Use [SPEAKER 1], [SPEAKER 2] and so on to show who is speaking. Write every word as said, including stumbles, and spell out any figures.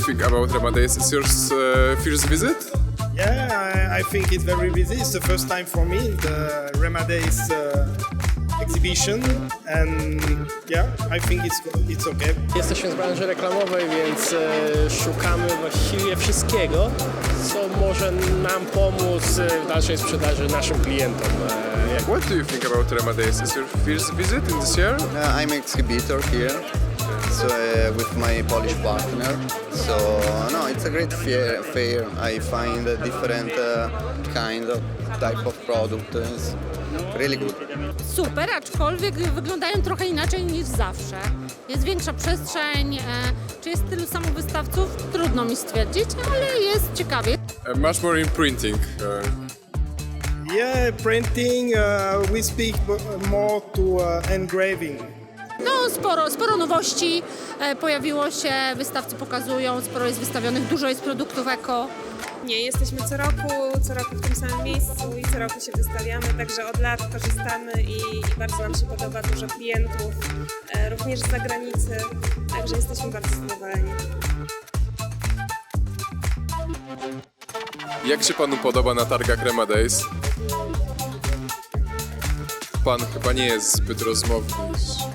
[SPEAKER 1] think about Remadays? Is your uh, first visit?
[SPEAKER 2] Yeah, I, I think it's very busy. It's the first time for me in the Remadays uh, exhibition, and yeah, I think it's it's okay.
[SPEAKER 3] Jesteśmy z branży reklamowej, więc e, szukamy właściwie wszystkiego, co może nam pomóc w dalszej sprzedaży naszym klientom. E, jak
[SPEAKER 1] What do you think about Remadays? Is your first visit in this year?
[SPEAKER 4] Uh, I'm exhibitor here, so uh, with my Polish partner. So no, it's a great fair. fair. I find a different uh, kind of type of product. It's really good.
[SPEAKER 5] Super, aczkolwiek wyglądają trochę inaczej niż zawsze. Jest większa przestrzeń, e, czy jest tylu samo wystawców? Trudno mi stwierdzić, ale jest ciekawie.
[SPEAKER 1] Uh, much more in printing. Uh,
[SPEAKER 2] Yeah, printing. Uh, we speak b- more to uh, engraving.
[SPEAKER 5] No, sporo, sporo nowości e, pojawiło się, wystawcy pokazują, sporo jest wystawionych, dużo jest produktów eko.
[SPEAKER 6] Nie, jesteśmy co roku, co roku w tym samym miejscu i co roku się wystawiamy, także od lat korzystamy i, i bardzo nam się podoba, dużo klientów, e, również z zagranicy, także jesteśmy bardzo zadowoleni.
[SPEAKER 1] Jak się panu podoba na targach Remadays? Pan chyba nie jest zbyt rozmowny.